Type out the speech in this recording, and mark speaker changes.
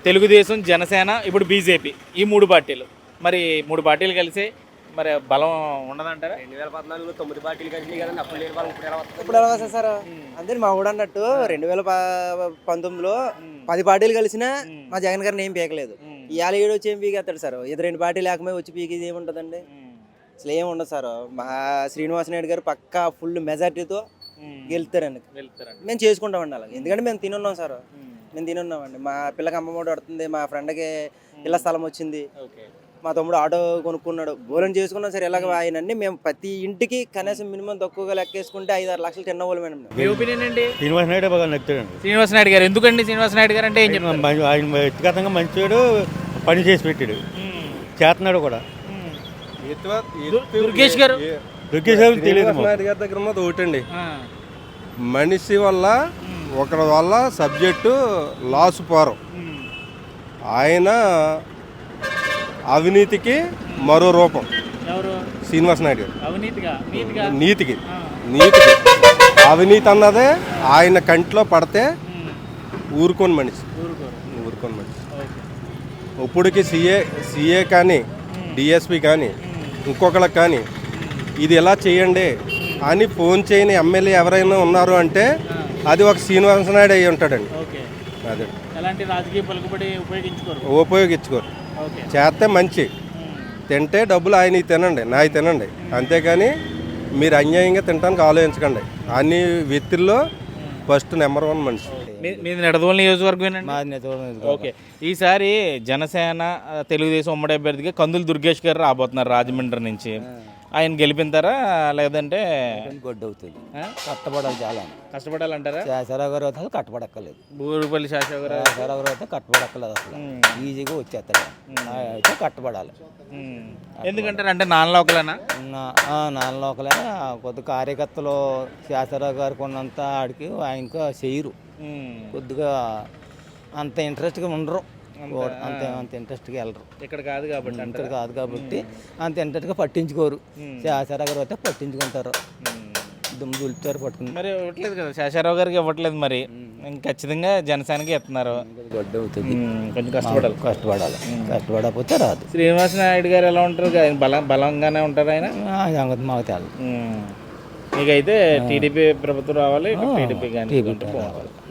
Speaker 1: తెలుగుదేశం, జనసేన, ఇప్పుడు బీజేపీ, ఈ 3 పార్టీలు. మరి 3 పార్టీలు కలిసి మరి బలం ఉండదంటారా?
Speaker 2: 2014లో 9 పార్టీలు కలిసినాయి కదండి, అప్పుడు లేని బలం ఇప్పుడు ఎలా వస్తుంది?
Speaker 3: ఇప్పుడు ఎలా వస్తుంది సార్? అంతే మా ఊడు అన్నట్టు 2019లో 10 పార్టీలు కలిసినా మా జగన్ గారిని ఏం పీకలేదు. ఇవాళ ఏడు వచ్చి ఏం పీకేస్తాడు సార్? ఇది 2 పార్టీలు లేకపోయి వచ్చి పీకేది ఏముంటుందండి? అసలు ఏమి ఉండదు సార్. మా శ్రీనివాస్ నాయుడు గారు పక్కా ఫుల్ మెజార్టీతో గెలుస్తారండి. మేము చేసుకుంటామండి అలాగే, ఎందుకంటే మేము తినున్నాం సార్. మేము తినున్నామండి. మా పిల్లకి అమ్మఒడి పడుతుంది, మా ఫ్రెండ్కి ఇళ్ళ స్థలం వచ్చింది, మా తమ్ముడు ఆటో కొనుక్కున్నాడు, బోలం చేసుకున్నాం సార్. ఇలాగ ఆయనన్ని మేము ప్రతి ఇంటికి కనీసం మినిమం తక్కువగా లెక్కేసుకుంటే 5-6 లక్షలు తిన్నవాళ్ళు మేడం.
Speaker 1: మీ ఒపీనియన్ ఏంటి?
Speaker 4: శ్రీనివాస్ నాయుడు బాగా నచ్చాడండి.
Speaker 1: శ్రీనివాస్ నాయుడు గారు ఎందుకండి? శ్రీనివాస్ నాయుడు గారు అంటే ఏం చెప్తారు?
Speaker 4: ఆయన వ్యక్తిగతంగా మంచివాడు, పని చేసి పెట్టాడు, చేస్తున్నాడు కూడా.
Speaker 1: దుర్గేష్ గారు
Speaker 4: తెలియదు.
Speaker 5: నాయుడు గారి దగ్గర ఉన్నది ఒకటండి, మనిషి వల్ల ఒకరి వల్ల సబ్జెక్టు లాసు పోరం. ఆయన అవినీతికి మరో రూపం శ్రీనివాస్ నాయుడు గారు. నీతికి అవినీతి అన్నదే ఆయన కంట్లో పడితే ఊరుకోని మనిషి. ఇప్పటికి సిఏ కానీ డిఎస్పి కానీ ఇంకొకళ్ళకి కానీ ఇది ఎలా చేయండి అని ఫోన్ చేయని ఎమ్మెల్యే ఎవరైనా ఉన్నారు అంటే అది ఒక శ్రీనివాస నాయుడు అయ్యి ఉంటాడండి. అదే ఉపయోగించుకోరు. చేస్తే మంచి, తింటే డబ్బులు ఆయన తినండి, నాయి తినండి, అంతేకాని మీరు అన్యాయంగా తినడానికి ఆలోచించకండి. అన్ని వ్యక్తుల్లో ఫస్ట్ నెంబర్ 1 మనిషి.
Speaker 1: మీది నిడదవోలు నియోజకవర్గం. ఓకే, ఈసారి జనసేన తెలుగుదేశం ఉమ్మడి అభ్యర్థిగా కందులు దుర్గేష్ గారు రాబోతున్నారు రాజమండ్రి నుంచి. ఆయన గెలిపింతారా లేదంటే
Speaker 3: గొడ్డు అవుతుంది? కష్టపడాలి, చాలా
Speaker 1: కష్టపడాలంటారా?
Speaker 3: శాసరావు గారు అయితే కట్టబడక్కలేదు.
Speaker 1: బూరుపల్లి శాసరావు గారు
Speaker 3: అయితే కట్టబడక్కలేదు, అసలు ఈజీగా వచ్చేస్తాడు. అయితే కట్టబడాలి.
Speaker 1: ఎందుకంటారు అంటే నాన్ లోకలేనా?
Speaker 3: నాన్ లోకలే. కొద్ది కార్యకర్తలు శాసరావు గారికి ఉన్నంత ఆడికి ఆయనకు చేయరు, కొద్దిగా అంత ఇంట్రెస్ట్గా ఉండరు, అంత ఇంట్రెస్ట్గా వెళ్ళరు.
Speaker 1: ఇక్కడ కాదు కాబట్టి
Speaker 3: అంత ఇంట్రెస్ట్గా పట్టించుకోరు. శాసరావు గారు అయితే పట్టించుకుంటారు, దుమ్ము దులుపుతారు, పట్టుకుని.
Speaker 1: మరి ఇవ్వట్లేదు కదా శాసరావు గారికి, ఇవ్వట్లేదు. మరి ఖచ్చితంగా జనసేనకి ఇస్తున్నారు.
Speaker 3: గొడ్డు అవుతుంది,
Speaker 1: కొంచెం
Speaker 3: కష్టపడకపోతే రాదు.
Speaker 1: శ్రీనివాస్ నాయుడు గారు ఎలా ఉంటారు? బలంగానే ఉంటారు ఆయన.
Speaker 3: మాకు తెలు.
Speaker 1: మీకైతే టీడీపీ ప్రభుత్వం రావాలి, టీడీపీ కానీ